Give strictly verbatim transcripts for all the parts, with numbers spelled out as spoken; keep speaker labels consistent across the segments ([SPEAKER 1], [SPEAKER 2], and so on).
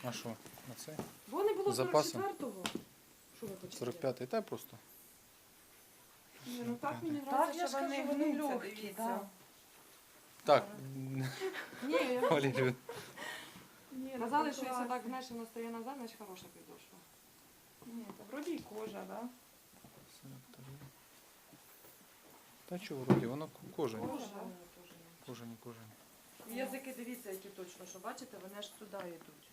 [SPEAKER 1] А що? На це?
[SPEAKER 2] Бо не було
[SPEAKER 1] Запасом?
[SPEAKER 2] сорок четвертого. Що ви хочете?
[SPEAKER 1] сорок п'ятий, та просто.
[SPEAKER 2] Ні, ну так мені
[SPEAKER 3] Так,
[SPEAKER 2] нравиться,
[SPEAKER 3] я
[SPEAKER 2] що
[SPEAKER 3] ж
[SPEAKER 2] вони
[SPEAKER 3] кажу, вони
[SPEAKER 2] гнуться,
[SPEAKER 3] легкі,
[SPEAKER 2] дивіться.
[SPEAKER 1] Так,
[SPEAKER 2] Ні, я...
[SPEAKER 1] Валерію.
[SPEAKER 2] Ні,
[SPEAKER 3] Казали,
[SPEAKER 2] ну,
[SPEAKER 3] що якщо
[SPEAKER 2] класно.
[SPEAKER 3] так, знаєш, воно стає назад, значить хороша підошва.
[SPEAKER 2] Ні, та вроді і кожа, да?
[SPEAKER 1] Та що вроді, воно кожані.
[SPEAKER 2] Кожа.
[SPEAKER 1] Кожані, кожані.
[SPEAKER 2] І язики, дивіться, які точно, що бачите, вони аж туди йдуть.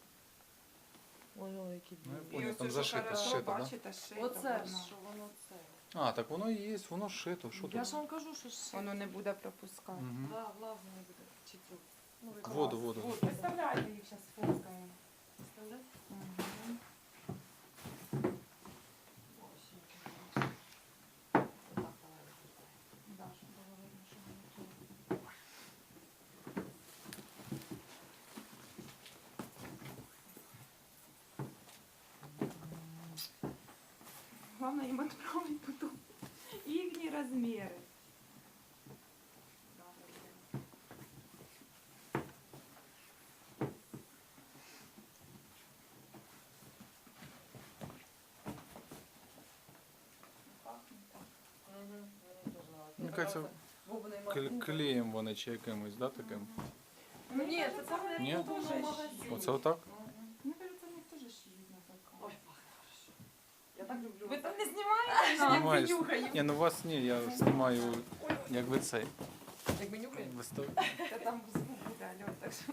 [SPEAKER 2] Ой, які
[SPEAKER 1] Ну, я
[SPEAKER 2] білі.
[SPEAKER 1] понял,
[SPEAKER 2] І
[SPEAKER 1] там
[SPEAKER 2] оце,
[SPEAKER 1] зашито,
[SPEAKER 2] що хорошо,
[SPEAKER 1] зшито, да?
[SPEAKER 2] бачите, шито.
[SPEAKER 3] Оце
[SPEAKER 2] воно.
[SPEAKER 3] що воно це.
[SPEAKER 1] А, так воно і є, воно шито. Що
[SPEAKER 3] Я
[SPEAKER 1] тут?
[SPEAKER 3] ж вам кажу, що ще.
[SPEAKER 2] Воно не буде пропускати.
[SPEAKER 1] Угу.
[SPEAKER 3] Да, влажно не буде. Чи цю. Ну, ви
[SPEAKER 1] Воду,
[SPEAKER 3] клас.
[SPEAKER 1] воду.
[SPEAKER 2] Представляйте їх зараз фоткаємо.
[SPEAKER 3] Представляєте?
[SPEAKER 2] Мгм.
[SPEAKER 3] Ось які класні. Отак, давай, розгортай.
[SPEAKER 2] Да, щоб було видно, що воно тут. Главное им отправить потом их размеры.
[SPEAKER 1] Мені кажеться, кле- клеєм вони чи якимось, да, таким?
[SPEAKER 2] Ну ні, це там
[SPEAKER 1] Ні?
[SPEAKER 2] не дуже магазин.
[SPEAKER 1] Оце отак?
[SPEAKER 2] Мені кажется, у них теж шиють на заказ.
[SPEAKER 3] Ой, пахне хорошо. Я так люблю.
[SPEAKER 2] Ви там не знімаєте?
[SPEAKER 1] Знімаю.
[SPEAKER 2] Я нюхаю.
[SPEAKER 1] Ні, ну вас ні, я знімаю, як ви цей.
[SPEAKER 3] Як ми нюхаємо?
[SPEAKER 1] вистав-
[SPEAKER 2] Та там звук буде, Альон, так що.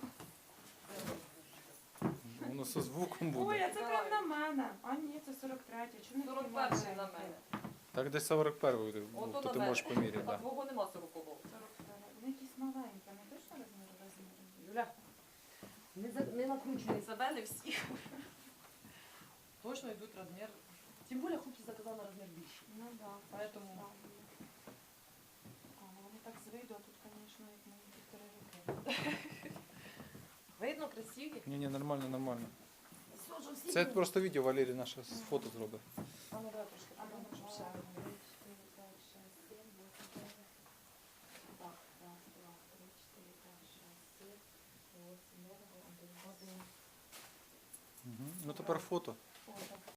[SPEAKER 1] Воно зі звуком
[SPEAKER 2] Ой,
[SPEAKER 1] буде.
[SPEAKER 2] а це прям на мене. А ні, це сорок третє. Чому не
[SPEAKER 3] сорок
[SPEAKER 2] знімаєте?
[SPEAKER 3] перший на мене.
[SPEAKER 1] Так десь сорок перший був,
[SPEAKER 3] Ото
[SPEAKER 1] то
[SPEAKER 3] на
[SPEAKER 1] ти
[SPEAKER 3] мене.
[SPEAKER 1] можеш поміряти,
[SPEAKER 3] А
[SPEAKER 1] так. Да.
[SPEAKER 3] твого нема сорокового.
[SPEAKER 2] сорок второй. Вони якісь маленькі, а не точно розмір розмір?
[SPEAKER 3] Юля, не, за, не накручуй себе, не всіх. Точно йдуть розмір. Тим більше хлопці заказав на розмір більший.
[SPEAKER 2] Ну да.
[SPEAKER 3] Поэтому-
[SPEAKER 2] правильно. А, ну вони так з виду, а тут, звісно, як мої півтори роки.
[SPEAKER 3] Видно, красиві.
[SPEAKER 1] Ні, ні, нормально, нормально.
[SPEAKER 3] Все, вже всі.
[SPEAKER 1] Це просто відео Валерій наше з фото зробить.
[SPEAKER 3] А ну давай трошки.
[SPEAKER 2] А ну,
[SPEAKER 3] подам, щоб все.
[SPEAKER 2] два, три, чотири, п'ять, шесть, сім, вісім, дев'ять. Так, раз, два, три, чотири, п'ять, шесть, сім, вісім, дев'ять, один.
[SPEAKER 1] Угу. Ну тепер фото.
[SPEAKER 2] Фото.